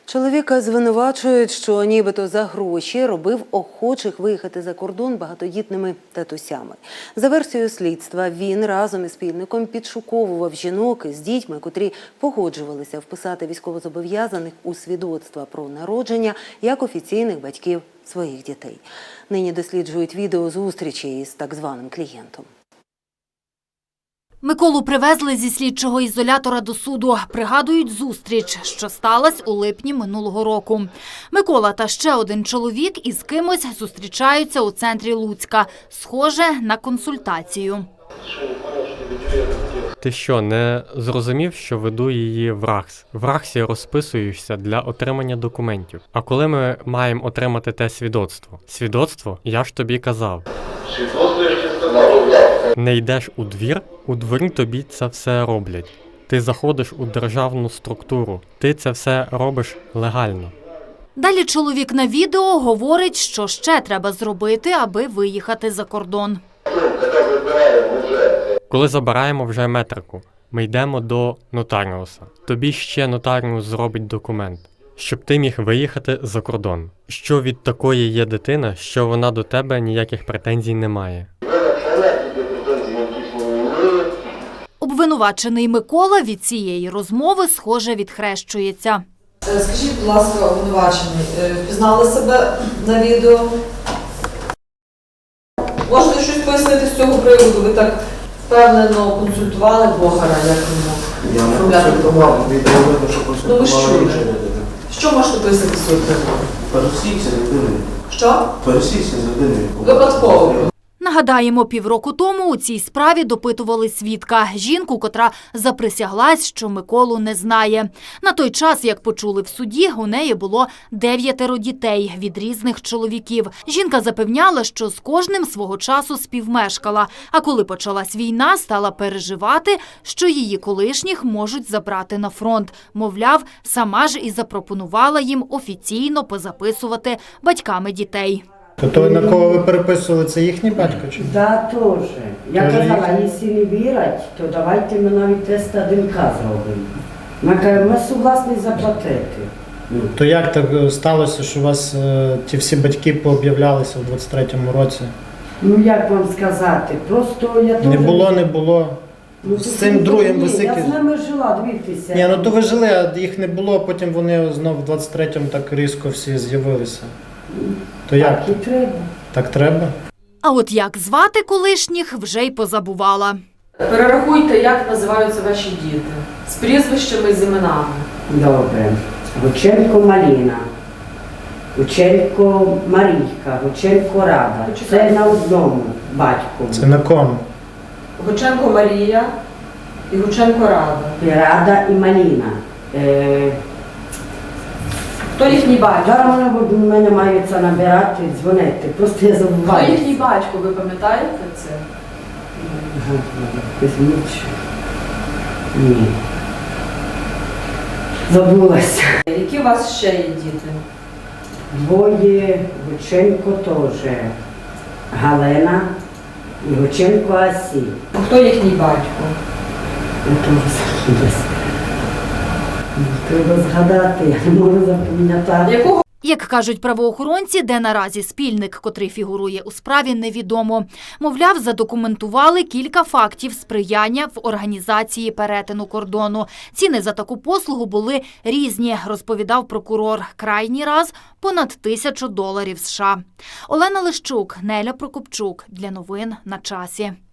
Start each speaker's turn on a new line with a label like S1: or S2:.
S1: Чоловіка звинувачують, що нібито за гроші робив охочих виїхати за кордон багатодітними татусями. За версією слідства, він разом із спільником підшуковував жінок із дітьми, котрі погоджувалися вписати військовозобов'язаних у свідоцтва про народження як офіційних батьків своїх дітей. Нині досліджують відео зустрічі із так званим клієнтом.
S2: Миколу привезли зі слідчого ізолятора до суду. Пригадують зустріч, що сталася у липні минулого року. Микола та ще один чоловік із кимось зустрічаються у центрі Луцька. Схоже на консультацію.
S3: Ти що, не зрозумів, що веду її в РАГС? В РАГСі розписуєшся для отримання документів. А коли ми маємо отримати те свідоцтво? Свідоцтво? Я ж тобі казав. Не йдеш у двір, у дворі тобі це все роблять. Ти заходиш у державну структуру, ти це все робиш легально.
S2: Далі чоловік на відео говорить, що ще треба зробити, аби виїхати за кордон.
S3: Коли забираємо вже метрику, ми йдемо до нотаріуса. Тобі ще нотаріус зробить документ, щоб ти міг виїхати за кордон. Що від такої є дитина, що вона до тебе ніяких претензій не має.
S2: Обвинувачений Микола від цієї розмови, схоже, відхрещується.
S4: Скажіть, будь ласка, обвинувачений, впізнали себе на відео? Можете щось пояснити з цього приводу? Ви так впевнено консультували блогера, як йому?
S5: Я не консультував, відео видно, що консультували інша людина.
S4: Що можете пояснити з цього приводу?
S5: Пересікся з людиною.
S4: Що?
S5: Пересікся з людиною.
S4: Випадково.
S2: Нагадаємо, півроку тому у цій справі допитували свідка – жінку, котра заприсяглась, що Миколу не знає. На той час, як почули в суді, у неї було 9 дітей від різних чоловіків. Жінка запевняла, що з кожним свого часу співмешкала, а коли почалась війна, стала переживати, що її колишніх можуть забрати на фронт. Мовляв, сама ж і запропонувала їм офіційно позаписувати батьками дітей.
S6: То на кого ви переписували, це їхній батько чи?
S7: Да, теж. Я
S6: Тоже
S7: казала,
S6: їхній?
S7: якщо не вірять, то давайте ми навіть тест ДНК зробимо. Ми кажемо, ми согласні заплатити.
S6: То як так сталося, що у вас ті всі батьки пооб'являлися в 23-му році?
S7: Ну як вам сказати, просто я теж...
S6: Не було.
S7: Ну,
S6: З цим другим
S7: ні,
S6: ви скільки?
S7: Я з ними жила, дивіться.
S6: Ні, ну то ви жили, а їх не було, потім вони знов в 23-му так різко всі з'явилися. То як?
S7: Так і треба.
S6: Так треба?
S2: А от як звати колишніх, вже й позабувала.
S4: Перерахуйте, як називаються ваші діти. З прізвищами і з іменами.
S7: Добре. Гученко Маліна, Гученко Марійка, Гученко Рада. Це на одному батьку.
S6: Це на кому?
S4: Гученко Марія і Гученко Рада.
S7: І Рада і Маліна.
S4: Хто їхній батько?
S7: Зараз вони в мене мають це набирати, дзвонити, просто я забуваю.
S4: Хто їхній батько, ви пам'ятаєте це?
S7: Кузьміч. Ні. Забулася.
S4: Які у вас ще є діти?
S7: Двоє, Гученко теж. Галина і Гученко Асі.
S4: Хто їхній батько?
S7: Я теж забулася. Треба згадати, я не можу запам'ятати.
S4: Якого?
S2: Як кажуть правоохоронці, де наразі спільник, котрий фігурує у справі, невідомо. Мовляв, задокументували кілька фактів сприяння в організації перетину кордону. Ціни за таку послугу були різні, розповідав прокурор. Крайній раз – понад $1000 США. Олена Лищук, Неля Прокопчук. Для новин на часі.